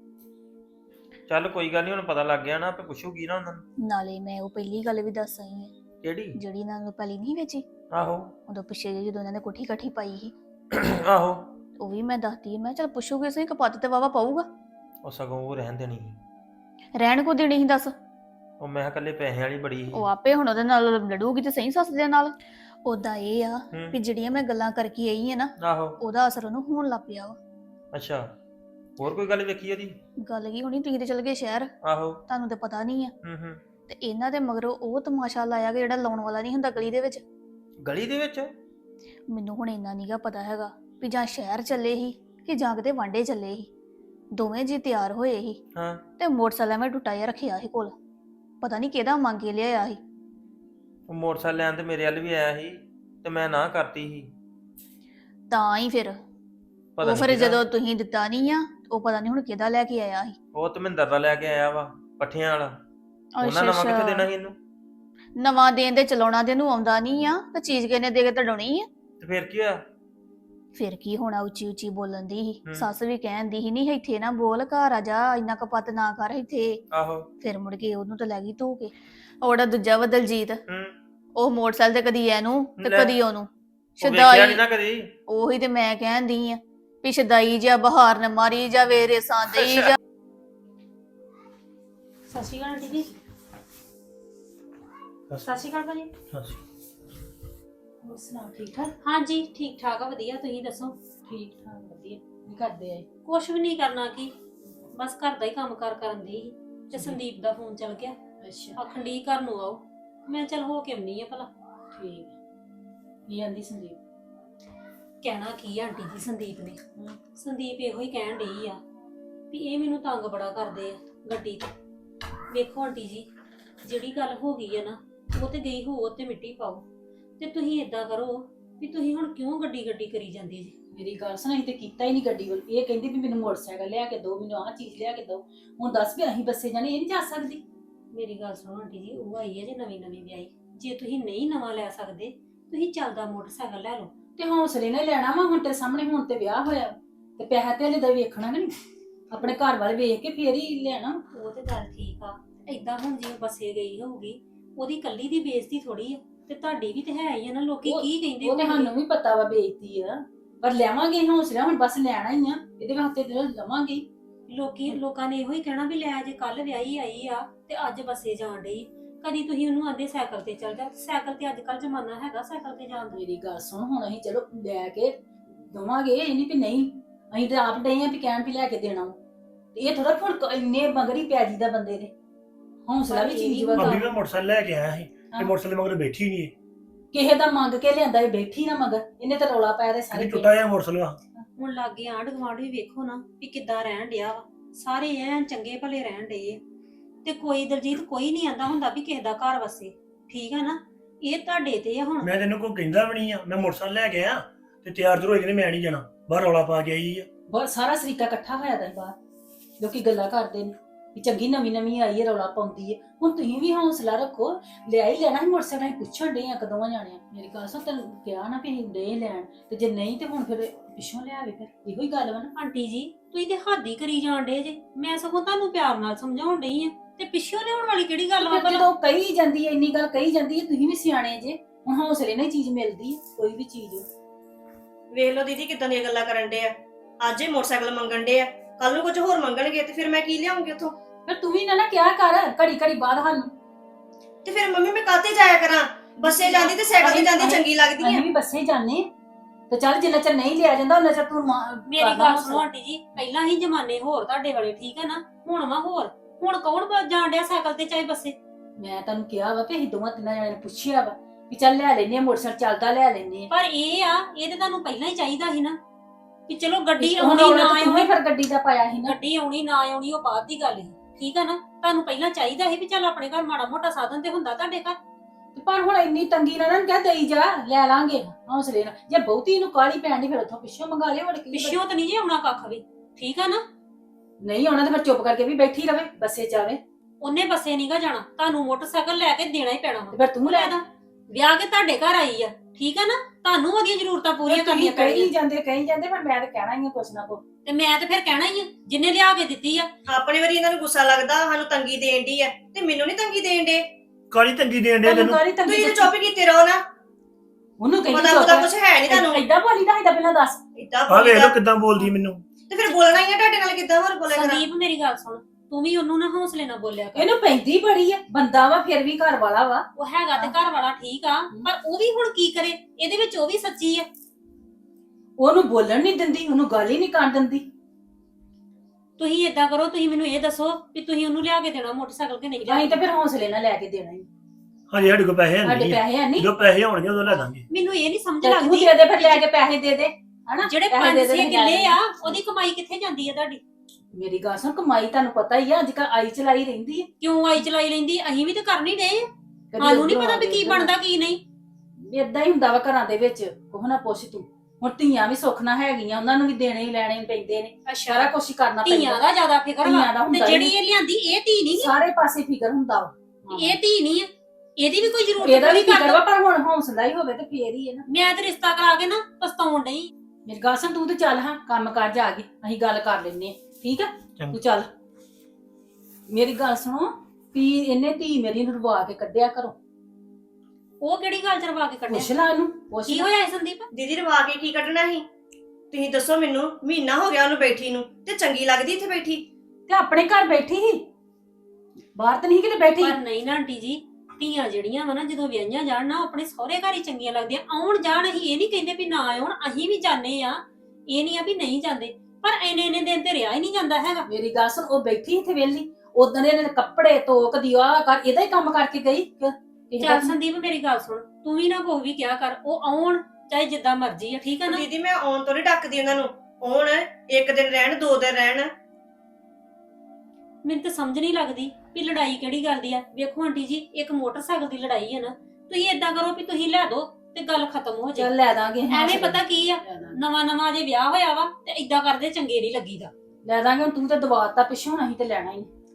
Speaker 7: ਚੱਲ ਕੋਈ ਗੱਲ ਨਹੀਂ, ਹੁਣ ਪਤਾ ਲੱਗ ਗਿਆ ਨਾ, ਆਪੇ ਪੁੱਛੂਗੀ ਨਾ ਉਹਨਾਂ ਨੂੰ।
Speaker 6: ਨਾਲੇ ਮੈਂ ਉਹ ਪਹਿਲੀ ਗੱਲ ਵੀ ਦੱਸ ਆਈ ਆ,
Speaker 7: ਕਿਹੜੀ?
Speaker 6: ਜਿਹੜੀ ਇਹਨਾਂ ਨੂੰ ਪਹਿਲੀ ਨਹੀਂ ਵੇਚੀ
Speaker 7: ਆਹੋ
Speaker 6: ਉਦੋਂ ਪਿੱਛੇ ਜਿਹੇ ਜਦੋਂ ਇਹਨਾਂ ਨੇ ਕੋਠੀ ਕਾਠੀ ਪਾਈ ਸੀ,
Speaker 7: ਆਹੋ।
Speaker 6: ਉਹ ਵੀ ਮੈਂ ਦੱਸਦੀ। ਮੈਂ ਚੱਲ ਪੁੱਛੂਗੀ ਸਹੀ, ਕਪੱਤ ਤੇ ਵਾਵਾ ਪਾਊਗਾ।
Speaker 7: ਉਹ ਸਗੋਂ ਉਹ ਰਹਿਣ ਦੇਣੀ ਸੀ।
Speaker 6: ਰਹਿਣ ਕੋ ਦੇਣੀ ਸੀ ਦੱਸ?
Speaker 7: ਉਹ ਮੈਂ ਕਿਹਾ ਇਕੱਲੇ ਪੈਸੇ ਵਾਲੀ ਬੜੀ ਸੀ।
Speaker 6: ਉਹ ਆਪੇ ਹੁਣ ਉਹਦੇ ਨਾਲ ਲੜੂਗੀ ਤੇ ਸਹੀ ਸੱਸ ਦੇ ਨਾਲ। ਉਦਾਂ ਇਹ ਆ
Speaker 7: ਹੂੰ।
Speaker 6: ਵੀ ਜਿਹੜੀਆਂ ਮੈਂ ਗੱਲਾਂ ਕਰਕੇ ਆਈ ਆ ਨਾ,
Speaker 7: ਆਹੋ।
Speaker 6: ਉਹਦਾ ਅਸਰ ਉਹਨੂੰ ਹੋਣ ਲੱਗ ਪਿਆ ਵਾ।
Speaker 7: ਅੱਛਾ, ਹੋਰ ਕੋਈ ਗੱਲ ਵੇਖੀ ਉਹਦੀ?
Speaker 6: ਗੱਲ ਕੀ ਹੋਣੀ, ਤੁਸੀਂ ਤੇ ਚਲ ਗਏ ਸ਼ਹਿਰ,
Speaker 7: ਆਹੋ।
Speaker 6: ਤੁਹਾਨੂੰ ਤੇ ਪਤਾ ਨਹੀਂ ਆ।
Speaker 7: ਹੂੰ ਹੂੰ।
Speaker 6: ਤੇ ਇਹਨਾਂ ਦੇ ਮਗਰੋਂ ਉਹ ਤਮਾਸ਼ਾ ਲਾਇਆ ਗਿਆ ਜਿਹੜਾ ਲਾਉਣ ਵਾਲਾ ਨਹੀਂ ਹੁੰਦਾ ਗਲੀ ਦੇ ਵਿੱਚ।
Speaker 7: ਗਲੀ ਦੇ ਵਿੱਚ?
Speaker 6: ਮੈਨੂੰ ਹੁਣ ਇੰਨਾ ਨਹੀਂਗਾ ਪਤਾ ਹੈਗਾ ਵੀ ਜਾਂ ਸ਼ਹਿਰ ਚੱਲੇ ਸੀ ਕਿ ਜਾਂ ਕਿਤੇ ਵਾਂਡੇ ਚੱਲੇ ਸੀ। ਦੋਵੇਂ ਜੀ ਤਿਆਰ ਹੋਏ ਸੀ
Speaker 7: ਹਾਂ।
Speaker 6: ਤੇ ਮੋਟਰਸਾਈਕਲ ਮੈਂ ਟੁੱਟਾ ਜਿਹਾ ਰੱਖਿਆ ਸੀ ਕੋਲ, ਪਤਾ ਨਹੀਂ ਕਿਹਦਾ ਮੰਗ ਕੇ ਲਿਆਇਆ ਸੀ।
Speaker 7: ਉਹ ਮੋਟਰਸਾਈਕਲ ਲੈਣ ਤੇ ਮੇਰੇ ਵੱਲ ਵੀ ਆਇਆ ਸੀ ਤੇ ਮੈਂ ਨਾ ਕਰਤੀ ਸੀ।
Speaker 6: ਤਾਂ ਹੀ ਫਿਰ
Speaker 7: ਪਤਾ
Speaker 6: ਉਹ
Speaker 7: ਨੀ
Speaker 6: ਫਿਰ
Speaker 7: ਕਿਹਦਾ।
Speaker 6: ਜਦੋਂ ਤੁਸੀਂ ਦਿੱਤਾ ਨਹੀਂ ਆ, ਉਹ ਪਤਾ ਨਹੀਂ ਹੁਣ ਕਿਹਦਾ ਲੈ ਕੇ ਆਇਆ ਸੀ।
Speaker 7: ਉਹ ਧਰਮਿੰਦਰ ਦਾ ਲੈ ਕੇ ਆਇਆ ਵਾ, ਪੱਠਿਆਂ ਵਾਲਾ। ਉਹਨਾਂ ਨਵਾਂ ਕਿੱਥੇ ਦੇਣਾ ਸੀ ਇਹਨੂੰ?
Speaker 6: ਨਵਾਂ ਦੇਣ ਦੇ ਚਲਾਉਣਾ ਦੇ ਨੂੰ ਆਉਂਦਾ ਨਹੀਂ ਆ, ਤੇ ਚੀਜ਼ ਕਿਹਨੇ ਦੇ ਕੇ ਤੜਾਉਣੀ ਆ।
Speaker 7: ਤੇ ਫਿਰ ਕੀ ਹੋਇਆ?
Speaker 6: ਫਿਰ ਕੀ ਹੋਣਾ, ਉੱਚੀ ਉੱਚੀ ਬੋਲਣ ਦੀ ਸੀ।
Speaker 7: ਹੂੰ।
Speaker 6: ਸੱਸ ਵੀ ਕਹਿੰਦੀ ਸੀ ਨਹੀਂ ਇੱਥੇ ਨਾ ਬੋਲ, ਘਰ ਆ ਜਾ, ਇੰਨਾ ਕਪੱਤ ਨਾ ਕਰ ਇੱਥੇ।
Speaker 7: ਆਹੋ।
Speaker 6: ਫਿਰ ਮੁੜ ਕੇ ਉਹਨੂੰ ਤਾਂ ਲੈ ਗਈ ਧੋ ਕੇ। ਉਹਦਾ ਦੂਜਾ ਵਾ ਦਲਜੀਤ,
Speaker 7: ਹੂੰ।
Speaker 6: ਉਹ ਮੋਟਰਸਾਈਕਲ ਤੇ ਕਦੀ ਇਹਨੂੰ ਤੇ
Speaker 7: ਲੈ।
Speaker 6: ਕਦੀ ਉਹਨੂੰ।
Speaker 7: ਉਹ ਵੇਖਿਆ
Speaker 6: ਸ਼ਦਾਈ,
Speaker 7: ਨੀ ਨਾ ਕਦੀ।
Speaker 6: ਉਹੀ ਤੇ ਮੈਂ ਕਹਿੰਦੀ ਆ ਵੀ ਸ਼ਦਾਈ ਜਾਂ ਬਹਾਰ ਨਾ ਮਾਰੀ ਜਾਵੇ, ਰੇਸਾਂ ਦੇਈ ਜਾ।
Speaker 2: ਸਤਿ ਸ਼੍ਰੀ ਅਕਾਲ ਆਂਟੀ ਜੀ। ਸਤਿ ਸ਼੍ਰੀ ਅਕਾਲ ਭਾਜੀ।
Speaker 1: ਹੋਰ ਸੁਣਾ, ਠੀਕ ਠਾਕ?
Speaker 2: ਹਾਂਜੀ ਠੀਕ ਠਾਕ ਆ, ਵਧੀਆ। ਤੁਸੀਂ ਦੱਸੋ?
Speaker 1: ਠੀਕ ਠਾਕ ਵਧੀਆ। ਕੀ ਕਰਦੇ ਆਏ?
Speaker 2: ਕੁਛ ਵੀ ਨਹੀਂ ਕਰਨਾ, ਕੀ ਬਸ ਘਰ ਦਾ ਹੀ ਕੰਮ ਕਾਰ ਕਰਨ ਦੀ ਸੀ ਤੇ ਸੰਦੀਪ ਦਾ ਫੋਨ ਚੱਲ ਗਿਆ।
Speaker 1: ਅੱਛਾ
Speaker 2: ਆਖਣ ਡਈ ਘਰ ਨੂੰ ਆਓ। ਮੈਂ ਚੱਲ ਹੋ ਕੇ ਆਉਣੀ ਆ ਭਲਾ।
Speaker 1: ਠੀਕ। ਕੀ ਆਂਦੀ ਸੰਦੀਪ?
Speaker 2: ਕਹਿਣਾ ਕੀ ਆ ਆਂਟੀ ਜੀ ਸੰਦੀਪ ਨੇ?
Speaker 1: ਹੂੰ।
Speaker 2: ਸੰਦੀਪ ਇਹੋ ਹੀ ਕਹਿਣ ਡਈ ਆ ਵੀ ਇਹ ਮੈਨੂੰ ਤੰਗ ਬੜਾ ਕਰਦੇ ਆ ਗੱਡੀ ਤੇ। ਵੇਖੋ ਆਂਟੀ ਜੀ, ਜਿਹੜੀ ਗੱਲ ਹੋ ਗਈ ਆ ਨਾ, ਉਹ ਤੇ ਗਈ ਹੋ, ਤੇ ਮਿੱਟੀ ਪਾਓ। ਤੇ ਤੁਸੀਂ ਏਦਾਂ ਕਰੋ ਵੀ ਤੁਸੀਂ ਹੁਣ ਕਿਉਂ ਗੱਡੀ ਗੱਡੀ ਕਰੀ ਜਾਂਦੀ ਜੀ?
Speaker 1: ਮੇਰੀ ਗੱਲ ਸੁਣ, ਅਸੀਂ ਤੇ ਕੀਤਾ ਹੀ ਨਹੀਂ ਗੱਡੀ ਵੱਲ। ਇਹ ਕਹਿੰਦੀ ਵੀ ਮੈਨੂੰ ਮੋਟਰਸਾਈਕਲ ਲਿਆ ਕੇ ਦਿਓ, ਮੈਨੂੰ ਆਹ ਚੀਜ਼ ਲਿਆ ਕੇ ਦਿਓ। ਹੁਣ ਦੱਸ ਵੀ ਅਸੀਂ ਬੱਸੇ ਜਾਣੇ, ਇਹ ਨਹੀਂ ਜਾ ਸਕਦੀ।
Speaker 2: ਮੇਰੀ ਗੱਲ ਸੁਣੋ ਆਂਟੀ ਜੀ, ਉਹ ਆਈ ਹੈ ਜੇ ਨਵੀਂ ਨਵੀਂ ਵਿਆਹੀ। ਜੇ ਤੁਸੀਂ ਨਹੀਂ ਨਵਾਂ ਲੈ ਸਕਦੇ, ਤੁਸੀਂ ਚੱਲਦਾ ਮੋਟਰਸਾਈਕਲ ਲੈ ਲਓ।
Speaker 1: ਤੇ ਹੌਸਲੇ ਨਾਲ ਹੀ ਲੈਣਾ ਵਾ। ਹੁਣ ਤੇ ਸਾਹਮਣੇ ਹੁਣ ਤੇ ਵਿਆਹ ਹੋਇਆ ਤੇ ਪੈਸਾ ਧੇਲੇ ਦਾ ਵੇਖਣਾ ਕਿ ਨਹੀਂ, ਆਪਣੇ ਘਰ ਵਾਲੇ ਵੇਖ ਕੇ ਫੇਰ ਹੀ ਲੈਣਾ।
Speaker 2: ਉਹ ਤੇ ਗੱਲ ਠੀਕ ਆ। ਏਦਾਂ ਹੁਣ ਜਿਵੇਂ ਬੱਸੇ ਗਈ ਹੋਊਗੀ, ਉਹਦੀ ਕੱਲੀ ਦੀ ਬੇਇੱਜ਼ਤੀ ਥੋੜੀ ਆ, ਤੇ ਤੁਹਾਡੀ ਵੀ ਤੇ ਹੈ ਹੀ ਆ ਨਾ। ਲੋਕੀ
Speaker 1: ਉਹ-
Speaker 2: ਕੀ ਕਹਿੰਦੇ
Speaker 1: ਉਹ ਤੇ
Speaker 2: ਹੋਣਗੇ।
Speaker 1: ਸਾਨੂੰ ਵੀ ਪਤਾ ਵਾ ਬੇਇੱਜ਼ਤੀ ਆ, ਪਰ ਲੈਵਾਂਗੇ ਹੌਸਲਾ। ਹੁਣ ਬਸ ਲੈਣਾ ਹੀ ਆ, ਇਹਦੇ ਵਾਸਤੇ ਤੇ ਲਵਾਂਗੇ ਹੀ।
Speaker 2: ਲੋਕੀ ਲੋਕਾਂ ਨੇ ਇਹੋ ਹੀ ਕਹਿਣਾ ਵੀ ਲੈ ਜੇ ਕੱਲ ਵਿਆਹੀ ਆਈ ਆ ਤੇ ਅੱਜ ਬੱਸੇ ਜਾਣ ਡਈ। ਕਦੀ ਤੁਸੀਂ ਉਹਨੂੰ ਆਂਦੇ ਸਾਈਕਲ ਤੇ ਚੱਲ ਜਾ। ਸਾਈਕਲ ਤੇ ਅੱਜ ਕੱਲ ਜ਼ਮਾਨਾ ਹੈਗਾ ਸਾਈਕਲ ਤੇ ਜਾਣ ਦਾ।
Speaker 1: ਮੇਰੀ ਗੱਲ ਸੁਣ, ਹੁਣ ਅਸੀਂ ਚਲੋ ਲੈ ਕੇ ਦਵਾਂਗੇ, ਇਹ ਨਹੀਂ ਵੀ ਨਹੀਂ। ਅਸੀਂ ਤੇ ਆਪ ਡਏ ਆ ਵੀ ਕਹਿਣ ਵੀ ਲੈ ਕੇ ਦੇਣਾ ਵਾ। ਤੇ ਇਹ ਥੋੜਾ ਹੁਣ ਕ- ਇੰਨੇ ਮਗਰੀ ਪੈ ਜੀਦਾ ਬੰਦੇ ਦੇ। ਹੌਸਲਾ ਵੀ ਚੀਜ਼ ਵਾ।
Speaker 4: ਭਾਬੀ ਮੈਂ ਮੋਟਰਸਾਈਕਲ ਲੈ ਕੇ ਆਇਆ ਸੀ
Speaker 1: ਹਾਂ।
Speaker 4: ਤੇ ਮੋਟਰਸਾਈਕਲ ਮਗਰ ਬੈਠੀ ਨਹੀਂ
Speaker 1: ਕਿਸੇ ਦਾ ਮੰਗ ਕੇ ਲਿਆਂਦਾ, ਇਹ ਬੈਠੀ ਨਾ ਮਗਰ। ਇਹਨੇ ਤਾਂ ਰੌਲਾ ਪਾਇਆ ਤੇ ਸਾਰੇ
Speaker 4: ਇਹ ਟੁੱਟਾ ਜਿਹਾ ਮੋਟਰਸਾਈਕਲ ਆ।
Speaker 2: ਹੁਣ ਲਾਗੇ ਆਂਢ ਗੁਆਂਢ ਵੀ ਵੇਖੋ ਨਾ ਵੀ ਕਿੱਦਾਂ ਰਹਿਣ ਡਿਆ ਵਾ। ਸਾਰੇ ਐਨ ਚੰਗੇ ਭਲੇ ਰਹਿਣ ਡਏ ਆ। ਤੇ ਕੋਈ ਦਲਜੀਤ ਕੋਈ ਨਹੀਂ ਆਂਦਾ ਹੁੰਦਾ ਵੀ ਕਿਸੇ ਦਾ ਘਰ ਵਸੇ। ਠੀਕ ਆ ਨਾ, ਇਹ ਤੁਹਾਡੇ ਤੇ ਆ ਹੁਣ।
Speaker 4: ਮੈਂ ਤੈਨੂੰ ਕੋਈ ਕਹਿੰਦਾ ਵੀ ਨਹੀਂ ਆ। ਮੈਂ ਮੋਟਰਸਾਈਕਲ ਲੈ ਕੇ ਆਇਆ ਤੇ ਤਿਆਰ ਤੁਰ ਹੋਏ ਕਹਿੰਦੇ ਮੈਂ ਨਹੀਂ ਜਾਣਾ, ਬਾਹਰ ਰੌਲਾ ਪਾ ਕੇ ਆਈ ਆ।
Speaker 1: ਬਹੁਤ ਸਾਰਾ ਸਰੀਕਾ ਇਕੱਠਾ ਹੋਇਆ ਦਾ ਬਾਹਰ। ਲੋਕੀ ਗੱਲਾਂ ਕਰਦੇ ਨੇ ਵੀ ਚੰਗੀ ਨਵੀਂ ਨਵੀਂ ਆਈ ਹੈ, ਰੌਲਾ ਪਾਉਂਦੀ ਹੈ। ਹੁਣ ਤੁਸੀਂ ਵੀ ਹੌਸਲਾ ਰੱਖੋ, ਲਿਆ ਹੀ ਲੈਣਾ ਸੀ ਮੋਟਰਸਾਈਕਲ। ਅਸੀਂ ਪੁੱਛਣ ਡੇ ਆ ਕਦੋਂ ਜਾਣੇ ਆ। ਮੇਰੀ ਗੱਲ ਸੁਣ, ਤੈਨੂੰ ਕਿਹਾ ਨਾ ਵੀ ਅਸੀਂ ਡੇ ਲੈਣ, ਤੇ ਜੇ ਨਹੀਂ ਤੇ ਹੁਣ ਫਿਰ ਪਿੱਛੋਂ ਲਿਆਵੇ। ਫਿਰ ਇਹੋ ਹੀ ਗੱਲ ਵਾ ਨਾ।
Speaker 2: ਆਂਟੀ ਜੀ ਤੁਸੀਂ ਤੇ ਹੱਦ ਹੀ ਕਰੀ ਜਾਣ ਡੇ ਜੇ। ਮੈਂ ਸਗੋਂ ਤੁਹਾਨੂੰ ਪਿਆਰ ਨਾਲ ਸਮਝਾਉਣ ਡਈ ਆ, ਤੇ ਪਿੱਛੋਂ ਲਿਆਉਣ ਵਾਲੀ ਕਿਹੜੀ ਗੱਲ ਵਾ
Speaker 1: ਫਿਰ
Speaker 2: ਭਲਾ?
Speaker 1: ਜਦੋਂ ਕਹੀ ਜਾਂਦੀ ਹੈ ਇੰਨੀ ਗੱਲ ਕਹੀ ਜਾਂਦੀ ਹੈ, ਤੁਸੀਂ ਵੀ ਸਿਆਣੇ ਜੇ। ਹੁਣ ਹੌਸਲੇ ਨਾਲ ਹੀ ਚੀਜ਼ ਮਿਲਦੀ ਹੈ, ਕੋਈ ਵੀ ਚੀਜ਼।
Speaker 3: ਵੇਖ ਲਓ ਦੀਦੀ ਕਿਦਾਂ ਦੀਆਂ ਗੱਲਾਂ ਕਰਨ ਡੇ ਆ। ਅੱਜ ਹੀ ਮੋਟਰਸਾਈਕਲ ਮੰਗਣ ਡੇ ਆ, ਕੱਲ ਨੂੰ ਕੁਝ ਹੋਰ ਮੰਗਣਗੇ ਤੇ ਫਿਰ ਮੈਂ ਕੀ ਲਿਆਉਂਗੀ ਉੱਥੋਂ?
Speaker 1: ਫਿਰ ਤੂੰ ਵੀ ਨਾ ਨਾ ਕਿਹਾ ਕਰ ਘੜੀ ਘੜੀ ਬਾਅਦ ਸਾਨੂੰ।
Speaker 3: ਤੇ ਫਿਰ ਮੰਮੀ ਮੈਂ ਕਾਹਤੇ ਜਾਇਆ ਕਰਾਂ? ਬੱਸੇ ਜਾਂਦੀ ਤੇ ਸਾਈਕਲ ਤੇ ਜਾਂਦੀ ਚੰਗੀ ਲੱਗਦੀ
Speaker 1: ਅਸੀਂ
Speaker 3: ਆ।
Speaker 1: ਵੀ ਬੱਸੇ ਜਾਂਦੇ ਤੇ ਚੱਲ ਜਿੰਨਾ ਚਿਰ ਨਹੀਂ ਲਿਆ ਜਾਂਦਾ ਉਹਨਾਂ ਚਿਰ ਤੂੰ ਮਾਂ-
Speaker 2: ਮੇਰੀ
Speaker 1: ਕਰਨਾ
Speaker 2: ਗੱਲ
Speaker 1: ਹੌਸਲਾ।
Speaker 2: ਸੁਣੋ ਆਂਟੀ ਜੀ, ਪਹਿਲਾਂ ਹੀ ਜ਼ਮਾਨੇ ਹੋਰ ਤੁਹਾਡੇ ਵਾਲੇ, ਠੀਕ ਆ ਨਾ। ਹੁਣ ਵਾ ਹੋਰ। ਹੁਣ ਕੌਣ ਬ- ਜਾਣ ਡਿਆ ਸਾਈਕਲ ਤੇ ਚਾਹੇ ਬੱਸੇ?
Speaker 1: ਮੈਂ ਤੈਨੂੰ ਕਿਹਾ ਵਾ ਕਿ ਅਸੀਂ ਦੋਵਾਂ ਤਿੰਨਾਂ ਜਣਿਆਂ ਨੇ ਪੁੱਛਿਆ ਵਾ ਵੀ ਚੱਲ ਲੈ ਲੈਨੇ ਆ, ਮੋਟਰਸਾਈਕਲ ਚੱਲਦਾ ਲੈ ਲੈਨੇ ਆ।
Speaker 2: ਪਰ ਇਹ ਆ, ਇਹ ਤੇ ਤੁਹਾਨੂੰ ਪਹਿਲਾਂ ਹੀ ਚਾਹੀਦਾ ਸੀ ਨਾ ਕਿ ਚਲੋ ਗੱਡੀ
Speaker 1: ਹੁਣ
Speaker 2: ਆਉਣੀ
Speaker 1: ਆਉਣਾ
Speaker 2: ਨਾ
Speaker 1: ਤਾਂ ਤੂੰ ਵੀ
Speaker 2: ਆਉਣੀ।
Speaker 1: ਫਿਰ ਗੱਡੀ ਦਾ ਪਾਇਆ ਸੀ ਨਾ।
Speaker 2: ਗੱਡੀ ਆਉਣੀ ਨਾ ਆਉਣੀ ਉਹ ਬਾਅਦ ਦੀ ਗੱਲ ਸੀ, ਠੀਕ ਆ ਨਾ। ਤੁਹਾਨੂੰ ਪਹਿਲਾਂ ਚਾਹੀਦਾ ਸੀ ਵੀ ਚੱਲ ਆਪਣੇ ਘਰ ਮਾੜਾ ਮੋਟਾ ਸਾਧਨ ਤੇ ਹੁੰਦਾ ਤੁਹਾਡੇ ਘਰ।
Speaker 1: ਤੇ ਪਰ ਹੁਣ ਇੰਨੀ ਤੰਗੀ ਨਾਲ ਨਾ ਕਹਿ ਦੇਈ ਜਾ, ਲੈ ਲਾਂਗੇ ਹੌਸਲੇ ਨਾਲ। ਜੇ ਬਹੁਤੀ ਨੂੰ ਕਾਲੀ ਪੈਣ ਦੀ ਫਿਰ ਉੱਥੋਂ ਪਿੱਛੋਂ ਮੰਗਾ ਲਿਓ। ਹੋਰ ਕੀ
Speaker 2: ਪਿੱਛੋਂ ਤਾਂ ਨਹੀਂ ਜੇ ਆਉਣਾ ਕੱਖ ਵੀ, ਠੀਕ ਆ ਨਾ।
Speaker 1: ਨਹੀਂ ਆਉਣਾ ਤੇ ਫਿਰ ਚੁੱਪ ਕਰਕੇ ਵੀ ਬੈਠੀ ਰਵੇ, ਬੱਸੇ ਜਾਵੇ।
Speaker 2: ਉਹਨੇ ਬੱਸੇ ਨਹੀਂਗਾ ਜਾਣਾ, ਤੁਹਾਨੂੰ ਮੋਟਰਸਾਈਕਲ ਲੈ ਕੇ ਦੇਣਾ ਹੀ ਪੈਣਾ ਵਾ।
Speaker 1: ਤੇ ਫਿਰ ਤੂੰ ਲੈ
Speaker 2: ਲੈ ਦਾ ਵਿਆਹ ਕੇ ਤੁਹਾਡੇ ਘਰ ਆਈ ਆ, ਠੀਕ ਆ ਨਾ। ਤੁਹਾਨੂੰ ਉਹਦੀਆਂ ਜ਼ਰੂਰਤਾਂ ਪੂਰੀਆਂ ਕਰਨੀਆਂ
Speaker 1: ਕਹੀ
Speaker 2: ਪੈਣੀਆਂ।
Speaker 1: ਜਾਂਦੇ ਕਹੀ ਜਾਂਦੇ ਪਰ ਮੈਂ ਤਾਂ ਕਹਿਣਾ ਹੀ ਆ ਕੁਛ ਨਾ ਕੁਛ।
Speaker 2: ਤੇ ਮੈਂ ਤੇ ਫਿਰ ਕਹਿਣਾ ਹੀ ਆ, ਜਿੰਨੇ ਲਿਆ ਕੇ ਦਿੱਤੀ ਆ।
Speaker 3: ਆਪਣੇ ਵਾਰੀ ਇਹਨਾਂ ਨੂੰ ਗੁੱਸਾ ਲੱਗਦਾ ਸਾਨੂੰ ਤੰਗੀ ਦੇਣ ਦੀ ਆ, ਤੇ ਮੈਨੂੰ ਨਹੀਂ ਤੰਗੀ ਦੇਣ ਦੇ।
Speaker 4: ਕਾਲੀ ਤੰਗੀ ਦੇਣ ਦੇ
Speaker 1: ਤੈਨੂੰ
Speaker 4: ਤੈਨੂੰ।
Speaker 1: ਕਾਲੀ ਤੰਗੀ
Speaker 3: ਤੁਸੀਂ ਤਾਂ
Speaker 1: ਦਿੱਤੀ।
Speaker 3: ਚੁੱਪ ਕੀਤੇ ਰਹੋ ਨਾ।
Speaker 1: ਉਹਨੂੰ ਕਹਿੰਦੀ
Speaker 3: ਪਤਾ ਪਤਾ ਕੁਝ ਹੈ ਨਹੀਂ ਤੁਹਾਨੂੰ।
Speaker 1: ਏਦਾਂ ਬੋਲੀ ਦਾ ਏਦਾਂ ਪਹਿਲਾਂ ਦੱਸ।
Speaker 3: ਏਦਾਂ
Speaker 4: ਆ ਵੇਖ
Speaker 3: ਬੋਲੀਦਾ
Speaker 4: ਲਓ ਕਿਦਾਂ ਬੋਲਦੀ ਮੈਨੂੰ।
Speaker 3: ਤੇ ਫਿਰ ਬੋਲਣਾ ਹੀ ਆ ਤੁਹਾਡੇ ਨਾਲ, ਕਿੱਦਾਂ ਹੋਰ ਬੋਲਿਆ ਕਰਾਂ?
Speaker 2: ਸੰਦੀਪ ਮੇਰੀ ਗੱਲ ਸੁਣ, ਤੂੰ ਵੀ ਉਹਨੂੰ ਨਾ ਹੌਸਲੇ ਨਾਲ ਬੋਲਿਆ ਕਰ।
Speaker 1: ਇਹਨੂੰ ਪੈਂਦੀ ਬੜੀ ਆ, ਬੰਦਾ ਵਾ ਫਿਰ ਵੀ ਘਰ ਵਾਲਾ ਵਾ।
Speaker 2: ਉਹ ਹੈਗਾ ਤੇ ਘਰ ਵਾਲਾ ਠੀਕ ਆ, ਪਰ ਉਹ ਵੀ ਹੁਣ ਕੀ ਕਰੇ? ਇਹਦੇ ਵਿੱਚ ਉਹ ਵੀ ਸੱਚੀ ਆ।
Speaker 1: ਉਹਨੂੰ ਬੋਲਣ ਨਹੀਂ ਦਿੰਦੀ, ਉਹਨੂੰ ਗੱਲ ਹੀ ਨਹੀਂ ਕਰਨ ਦਿੰਦੀ।
Speaker 2: ਤੁਸੀਂ ਏਦਾਂ ਕਰੋ, ਤੁਸੀਂ ਮੈਨੂੰ ਇਹ ਦੱਸੋ ਵੀ ਤੁਸੀਂ ਉਹਨੂੰ ਲਿਆ ਕੇ ਦੇਣਾ ਮੋਟਰਸਾਈਕਲ ਕਿ ਨਹੀਂ ਲਿਆ
Speaker 1: ਅਸੀਂ
Speaker 2: ਕੇ
Speaker 1: ਤਾਂ ਫਿਰ ਹੌਸਲੇ ਨਾਲ ਲੈ ਕੇ ਦੇਣਾ ਹੀ।
Speaker 4: ਹਾਂਜੀ ਸਾਡੇ ਕੋਲ ਪੈਸੇ
Speaker 1: ਸਾਡੇ
Speaker 4: ਨਹੀਂ
Speaker 1: ਪੈਸੇ ਹੈ ਨਹੀਂ।
Speaker 4: ਜਦੋਂ ਪੈਸੇ ਹੋਣਗੇ ਉਦੋਂ ਲੈ ਦਾਂਗੇ।
Speaker 2: ਮੈਨੂੰ ਇਹ ਨਹੀਂ ਸਮਝ
Speaker 1: ਤੇ ਤੂੰ
Speaker 2: ਲੱਗਦੀ
Speaker 1: ਦੇ ਦੇ ਫਿਰ ਲੈ ਕੇ ਪੈਸੇ ਦੇ ਦੇ, ਹਨਾ?
Speaker 2: ਜਿਹੜੇ
Speaker 1: ਪੈਸੇ
Speaker 2: ਪੰਜ
Speaker 1: ਦੇ ਦੇ
Speaker 2: ਛੇ
Speaker 1: ਤੇ
Speaker 2: ਕਿੱਲੇ ਆ ਉਹਦੀ ਕਮਾਈ ਕਿੱਥੇ ਜਾਂਦੀ ਆ ਤੁਹਾਡੀ?
Speaker 1: ਮੇਰੀ ਗੱਲ ਸੁਣ, ਕਮਾਈ ਤੁਹਾਨੂੰ ਪਤਾ ਹੀ ਆ ਅੱਜ ਕੱਲ ਆਈ ਚਲਾਈ ਰਹਿੰਦੀ ਹੈ।
Speaker 2: ਕਿਉਂ ਆਈ ਚਲਾਈ ਲੈਂਦੀ? ਅਸੀਂ ਵੀ ਤਾਂ ਕਰਨੀ ਡੇ।
Speaker 1: ਕਦੀ
Speaker 2: ਸਾਨੂੰ ਨਹੀਂ
Speaker 1: ਉੱਧਰੋਂ
Speaker 2: ਪਤਾ ਵੀ ਕੀ
Speaker 1: ਉੱਧਰੋਂ।
Speaker 2: ਬਣਦਾ ਕੀ ਨਹੀਂ।
Speaker 1: ਏਦਾਂ ਹੀ ਹੁੰਦਾ ਵਾ ਘਰਾਂ ਦੇ ਵਿੱਚ। ਉਹ ਨਾ ਪੁੱਛ ਤੂੰ। ਹੁਣ ਧੀਆਂ ਵੀ ਸੁੱਖ ਨਾ ਹੈਗੀਆਂ, ਉਹਨਾਂ ਨੂੰ ਵੀ ਦੇਣੇ ਹੀ ਲੈਣੇ ਪੈਂਦੇ ਨੇ। ਸਾਰਾ ਕੁਝ ਹੀ ਕਰਨਾ
Speaker 2: ਧੀਆਂ
Speaker 1: ਪੈਂਦਾ।
Speaker 2: ਦਾ ਜ਼ਿਆਦਾ ਫਿਕਰ ਵਾ।
Speaker 1: ਧੀਆਂ ਦਾ
Speaker 2: ਤੇ
Speaker 1: ਹੁੰਦਾ
Speaker 2: ਜਿਹੜੀ
Speaker 1: ਹੀ
Speaker 2: ਇਹ ਲਿਆਂਦੀ ਇਹ ਧੀ ਨਹੀਂ,
Speaker 1: ਸਾਰੇ ਪਾਸੇ ਫਿਕਰ ਹੁੰਦਾ ਵਾ।
Speaker 2: ਇਹ ਧੀ ਨਹੀਂ ਆ। ਇਹਦੀ ਵੀ ਕੋਈ ਜ਼ਰੂਰਤ
Speaker 1: ਇਹਦਾ ਵੀ
Speaker 2: ਨਹੀਂ
Speaker 1: ਫਿਕਰ
Speaker 2: ਕਰਦਾ।
Speaker 1: ਵਾ, ਪਰ ਹੁਣ ਹੌਸਲਾ ਹੀ ਹੋਵੇ ਤੇ ਫੇਰ ਹੀ ਹੈ ਨਾ।
Speaker 2: ਮੈਂ ਤੇ ਰਿਸ਼ਤਾ ਕਰਾ ਕੇ ਨਾ ਪਛਤਾਉਣ ਡਈ।
Speaker 1: ਮੇਰੀ ਗੱਲ ਸੁਣ, ਤੂੰ ਤੇ ਚੱਲ ਹਾਂ ਕੰਮ ਕਰ ਜਾ ਕੇ, ਅਸੀਂ ਗੱਲ ਕਰ ਲੈਨੇ ਆ, ਠੀਕ ਆ?
Speaker 4: ਚੰਗਾ।
Speaker 1: ਤੂੰ ਚੱਲ। ਮੇਰੀ ਗੱਲ ਸੁਣੋ, ਵੀ ਇਹਨੇ ਧੀ ਮੇਰੀ ਨੂੰ ਰਵਾ ਕੇ ਕੱਢਿਆ ਘਰੋਂ।
Speaker 2: ਉਹ ਕਿਹੜੀ ਗੱਲ ਚਰਵਾ ਕੇ ਕੱਢਿਆ?
Speaker 1: ਪੁੱਛ ਲਾ ਇਹਨੂੰ, ਪੁੱਛ
Speaker 2: ਕੀ
Speaker 1: ਲਾ।
Speaker 2: ਹੋਇਆ ਸੰਦੀਪ?
Speaker 3: ਦੀਦੀ ਰਵਾ ਕੇ ਕੀ ਕੱਢਣਾ ਸੀ? ਤੁਸੀਂ ਦੱਸੋ ਮੈਨੂੰ। ਮਹੀਨਾ ਹੋ ਗਿਆ ਉਹਨੂੰ ਬੈਠੀ ਨੂੰ, ਤੇ ਚੰਗੀ ਲੱਗਦੀ ਇੱਥੇ ਬੈਠੀ?
Speaker 1: ਤੇ ਆਪਣੇ ਘਰ ਬੈਠੀ ਸੀ, ਬਾਹਰ ਤਾਂ ਨਹੀਂ ਕਿਤੇ ਬੈਠੀ।
Speaker 2: ਪਰ ਨਹੀਂ ਨਾ ਆਂਟੀ ਜੀ, ਧੀਆਂ ਜਿਹੜੀਆਂ ਵਾ ਨਾ ਜਦੋਂ ਵਿਆਹੀਆਂ ਜਾਣ ਨਾ ਆਪਣੇ ਸਹੁਰੇ ਘਰ ਹੀ ਚੰਗੀਆਂ ਲੱਗਦੀਆਂ। ਆਉਣ ਜਾਣ ਅਸੀਂ ਇਹ ਨਹੀਂ ਕਹਿੰਦੇ ਵੀ ਨਾ ਆਉਣ, ਅਸੀਂ ਵੀ ਜਾਂਦੇ ਆ। ਇਹ ਨਹੀਂ ਆ ਵੀ ਨਹੀਂ ਜਾਂਦੇ, ਪਰ ਇੰਨੇ ਇੰਨੇ ਦਿਨ ਤੇ ਰਿਹਾ ਹੀ ਨਹੀਂ ਜਾਂਦਾ ਹੈਗਾ।
Speaker 1: ਮੇਰੀ ਗੱਲ ਸੁਣ, ਉਹ ਬੈਠੀ ਇੱਥੇ ਵਿਹਲੀ, ਉਦੋਂ ਇਹਨੇ ਕੱਪੜੇ ਧੋ ਕਦੀ ਆ ਕਰ, ਇਹਦਾ ਹੀ ਕੰਮ ਕਰਕੇ ਗਈ। ਕਿਸੇ ਦਾ-
Speaker 2: ਚੱਲ ਸੰਦੀਪ ਮੇਰੀ ਗੱਲ ਸੁਣ, ਤੂੰ ਵੀ ਨਾ ਕੁਛ ਵੀ ਕਿਹਾ ਕਰ। ਉਹ ਆਉਣ ਚਾਹੇ ਜਿੱਦਾਂ ਮਰਜ਼ੀ ਆ, ਠੀਕ ਆ ਨਾ।
Speaker 3: ਦੀਦੀ ਮੈਂ ਆਉਣ ਤੋਂ ਨਹੀਂ ਡੱਕਦੀ ਉਹਨਾਂ ਨੂੰ। ਆਉਣ ਇੱਕ ਦਿਨ ਰਹਿਣ, ਦੋ ਦਿਨ ਰਹਿਣ।
Speaker 2: ਮੈਨੂੰ ਤਾਂ ਸਮਝ ਨਹੀਂ ਲੱਗਦੀ ਵੀ ਲੜਾਈ ਕਿਹੜੀ ਗੱਲ ਦੀ ਆ। ਵੇਖੋ ਆਂਟੀ ਜੀ, ਇੱਕ ਮੋਟਰਸਾਈਕਲ ਦੀ ਲੜਾਈ ਹੈ ਨਾ। ਤੁਸੀਂ ਏਦਾਂ ਕਰੋ ਵੀ ਤੁਸੀਂ ਲੈ ਦੋ ਤੇ ਗੱਲ ਖਤਮ ਹੋ ਜਾਏ।
Speaker 1: ਚੱਲ ਲੈ ਦਾਂਗੇ।
Speaker 2: ਐਵੇਂ ਪਤਾ ਕੀ ਆ, ਨਵਾਂ ਨਵਾਂ ਜੇ ਵਿਆਹ ਹੋਇਆ ਵਾ ਤੇ ਏਦਾਂ ਕਰਦੇ ਚੰਗੇ ਨਹੀਂ ਲੱਗੀਦਾ।
Speaker 1: ਲੈ ਦਾਂਗੇ। ਹੁਣ ਤੂੰ ਤੇ ਦਵਾਤਾ ਪਿੱਛੋਂ, ਅਸੀਂ ਤੇ ਲੈਣਾ ਹੀ।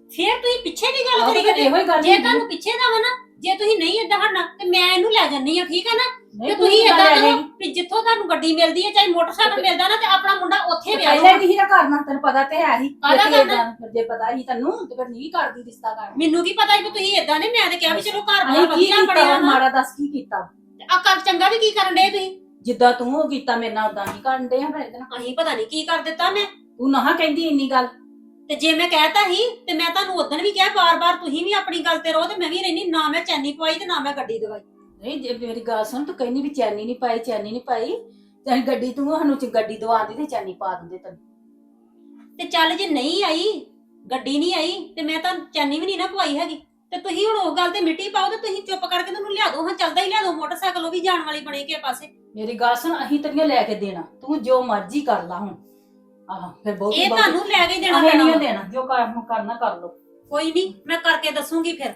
Speaker 2: ਫੇਰ ਤੁਸੀਂ ਪਿੱਛੇ ਦੀ ਗੱਲ
Speaker 1: ਆਹੋ
Speaker 2: ਕਰੀ
Speaker 1: ਤੇ
Speaker 2: ਜਾਂਦੇ
Speaker 1: ਇਹੋ ਹੀ ਗੱਲ
Speaker 2: ਜੇ
Speaker 1: ਹੁੰਦੀ।
Speaker 2: ਤੁਹਾਨੂੰ ਪਿੱਛੇ ਦਾ ਵਾ ਨਾ, ਜੇ ਤੁਸੀਂ ਨਹੀਂ ਏਦਾਂ ਹਟਣਾ ਤੇ ਮੈਂ ਇਹਨੂੰ ਲੈ ਜੰਨੀ ਆ, ਠੀਕ ਆ ਨਾ?
Speaker 1: ਨਹੀਂ,
Speaker 2: ਤੇ ਤੁਸੀਂ
Speaker 1: ਕਿੱਦਾਂ
Speaker 2: ਏਦਾਂ
Speaker 1: ਲੈ
Speaker 2: ਕਰੋ
Speaker 1: ਜਾਏਗੀ?
Speaker 2: ਵੀ ਜਿੱਥੋਂ ਤੁਹਾਨੂੰ ਗੱਡੀ ਮਿਲਦੀ ਹੈ, ਚਾਹੇ ਮੋਟਰਸਾਈਕਲ ਮਿਲਦਾ ਨਾ, ਤੇ ਆਪਣਾ ਮੁੰਡਾ ਉੱਥੇ ਵਿਆਹ
Speaker 1: ਪਹਿਲਾਂ
Speaker 2: ਲਓ।
Speaker 1: ਹੀ ਨਹੀਂ ਕਰਨਾ, ਤੈਨੂੰ ਪਤਾ ਤੇ ਹੈ ਹੀ
Speaker 2: ਕਾਹਦਾ
Speaker 1: ਜੇ
Speaker 2: ਕਰਨਾ?
Speaker 1: ਏਦਾਂ- ਜੇ ਪਤਾ ਹੀ ਤੈਨੂੰ ਤੇ ਫਿਰ ਨਹੀਂ ਕਰਦੀ ਰਿਸ਼ਤਾ ਕਰ
Speaker 2: ਮੈਨੂੰ ਕੀ ਪਤਾ ਸੀ ਵੀ ਤੁਸੀਂ ਏਦਾਂ ਨੇ, ਮੈਂ ਤੇ ਕਿਹਾ ਵੀ ਚਲੋ ਘਰ ਬਾਰ
Speaker 1: ਅਸੀਂ ਕੀ
Speaker 2: ਵਧੀਆ
Speaker 1: ਕੀਤਾ
Speaker 2: ਬਣਿਆ
Speaker 1: ਵਾ,
Speaker 2: ਵਾ।
Speaker 1: ਮਾੜਾ ਦੱਸ ਕੀ ਕੀਤਾ?
Speaker 2: ਆ ਕਰ ਚੰਗਾ ਵੀ ਕੀ ਕਰਨ ਦੇ ਤੁਸੀਂ?
Speaker 1: ਜਿੱਦਾਂ ਤੂੰ ਉਹ ਕੀਤਾ ਮੇਰੇ ਨਾਲ ਉਦਾਂ ਹੀ ਕਰਨ ਦੇ ਆ ਫਿਰ ਇਹਦੇ ਨਾਲ।
Speaker 2: ਅਸੀਂ ਪਤਾ ਨਹੀਂ ਕੀ ਕਰ ਦਿੱਤਾ ਮੈਂ।
Speaker 1: ਤੂੰ ਨਾ ਕਹਿੰਦੀ ਇੰਨੀ ਗੱਲ।
Speaker 2: ਤੇ ਜੇ ਮੈਂ ਕਹਿਤਾ ਸੀ ਤੇ ਮੈਂ ਤੁਹਾਨੂੰ ਉਦੋਂ ਵੀ ਕਿਹਾ, ਬਾਰ-ਬਾਰ ਤੁਸੀਂ ਵੀ ਆਪਣੀ ਗੱਲ ਤੇ ਰਹੋ ਤੇ ਮੈਂ ਵੀ ਰਹਿਣੀ। ਨਾ ਮੈਂ ਚੈਨੀ ਪਵਾਈ ਤੇ ਨਾ ਮੈਂ ਗੱਡੀ ਦਵਾਈ।
Speaker 1: ਨਹੀਂ ਜੇ ਮੇਰੀ ਗੱਲ ਸੁਣ, ਤੂੰ ਕਹਿੰਦੀ ਵੀ ਚੈਨੀ ਨਹੀਂ ਪਾਈ, ਚੈਨੀ ਨਹੀਂ ਪਾਈ, ਤੇ ਅਸੀਂ ਗੱਡੀ ਤੂੰ ਸਾਨੂੰ ਚ ਗੱਡੀ ਦਵਾਉਂਦੀ ਤੇ ਚੈਨੀ ਪਾ ਦਿੰਦੇ ਤੈਨੂੰ।
Speaker 2: ਤੇ ਚੱਲ ਜੇ ਨਹੀਂ ਆਈ, ਗੱਡੀ ਨਹੀਂ ਆਈ, ਤੇ ਮੈਂ ਤਾਂ ਚੈਨੀ ਵੀ ਨਹੀਂ ਨਾ ਪਵਾਈ ਹੈਗੀ। ਤੇ ਤੁਸੀਂ ਹੁਣ ਉਹ ਗੱਲ ਤੇ ਮਿੱਟੀ ਪਾਓ ਤੇ ਤੁਸੀਂ ਚੁੱਪ ਕਰਕੇ ਤੁਹਾਨੂੰ ਲਿਆ ਦਿਓ। ਹਾਂ ਚੱਲਦਾ ਹੀ ਲਿਆ ਦਿਓ ਮੋਟਰਸਾਈਕਲ, ਉਹ ਵੀ ਜਾਣ ਵਾਲੀ ਬਣੇ ਕਿਸੇ ਪਾਸੇ।
Speaker 1: ਮੇਰੀ ਗੱਲ ਸੁਣ, ਅਸੀਂ ਤੇਰੀਆਂ ਲੈ ਕੇ ਦੇਣਾ, ਤੂੰ ਜੋ ਮਰਜ਼ੀ ਕਰ ਲਾ ਹੁਣ। ਆਹ ਫਿਰ ਬਹੁਤ
Speaker 2: ਇਹ ਤੁਹਾਨੂੰ ਲੈ ਕੇ ਦੇਣਾ
Speaker 1: ਅਸੀਂ
Speaker 2: ਪੈਣਾ
Speaker 1: ਨਹੀਂ
Speaker 2: ਵਾ।
Speaker 1: ਦੇਣਾ, ਜੋ ਕਰ- ਕਰਨਾ ਕਰ ਲੋ।
Speaker 2: ਕੋਈ ਨਹੀਂ, ਮੈਂ ਕਰਕੇ ਦੱਸੂਗੀ ਫਿਰ।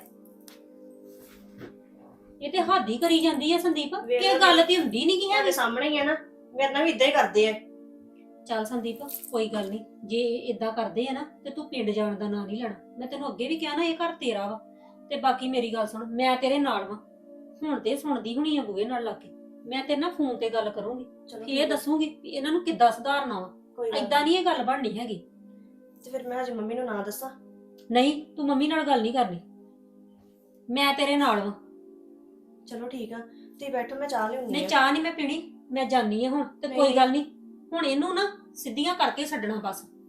Speaker 2: ਇਹ ਤੇ ਹੱਦ ਹੀ ਕਰੀ ਜਾਂਦੀ ਹੈ ਸੰਦੀਪ,
Speaker 3: ਵੇਖ
Speaker 2: ਕਿ ਗੱਲ ਤੇ ਹੁੰਦੀ ਨਹੀਂ ਕੀ
Speaker 3: ਤੁਹਾਡੇ
Speaker 2: ਹੈਗੀ।
Speaker 3: ਸਾਹਮਣੇ ਹੀ ਆ ਨਾ, ਮੇਰੇ ਨਾਲ ਵੀ ਇਦਾਂ ਹੀ ਕਰਦੇ ਆ।
Speaker 2: ਚੱਲ ਸੰਦੀਪ, ਕੋਈ ਗੱਲ ਨਹੀਂ, ਜੇ ਇਦਾਂ ਕਰਦੇ ਆ ਨਾ ਤੇ ਤੂੰ ਪਿੰਡ ਜਾਣ ਦਾ ਨਾਂ ਨਹੀਂ ਲੈਣਾ। ਮੈਂ ਤੈਨੂੰ ਅੱਗੇ ਵੀ ਕਿਹਾ ਨਾ, ਇਹ ਘਰ ਤੇਰਾ ਵਾ। ਤੇ ਬਾਕੀ ਮੇਰੀ ਗੱਲ ਸੁਣ, ਮੈਂ ਤੇਰੇ ਨਾਲ ਵਾਂ। ਹੁਣ ਤੇ ਸੁਣਦੀ ਹੁਣੀ ਆ ਬੂਹੇ ਨਾਲ ਲੱਗ ਕੇ। ਮੈਂ ਤੇਰੇ ਨਾਲ ਫੋਨ ਤੇ ਗੱਲ ਕਰੂੰਗੀ,
Speaker 3: ਚਲੋ
Speaker 2: ਇਹ ਦੱਸੂਗੀ ਵੀ ਇਹਨਾਂ ਨੂੰ ਕਿੱਦਾਂ ਸੁਧਾਰਨਾ ਵਾ।
Speaker 3: ਕੋਈ ਗੱਲ
Speaker 2: ਏਦਾਂ ਨਹੀਂ ਇਹ ਗੱਲ ਬਣਨੀ ਹੈਗੀ।
Speaker 3: ਤੇ ਫਿਰ ਮੈਂ ਅੱਜ ਮੰਮੀ ਨੂੰ ਨਾ ਦੱਸਾਂ?
Speaker 2: ਨਹੀਂ, ਤੂੰ ਮੰਮੀ ਨਾਲ ਗੱਲ ਨਹੀਂ ਕਰਨੀ, ਮੈਂ ਤੇਰੇ ਨਾਲ ਵਾਂ।
Speaker 3: ਚਲੋ ਠੀਕ ਆ, ਤੁਸੀਂ ਬੈਠੋ, ਮੈਂ ਚਾਹ ਲਿਆਉਂਦੀ
Speaker 2: ਨਹੀਂ
Speaker 3: ਆ।
Speaker 2: ਚਾਹ ਨਹੀਂ ਮੈਂ ਪੀਣੀ, ਮੈਂ ਜਾਨੀ ਆ ਹੁਣ। ਤੇ
Speaker 3: ਨਹੀਂ।
Speaker 2: ਕੋਈ ਗੱਲ ਨਹੀਂ, ਹੁਣ ਇਹਨੂੰ ਨਾ ਸਿੱਧੀਆਂ ਕਰਕੇ ਛੱਡਣਾ ਬਸ।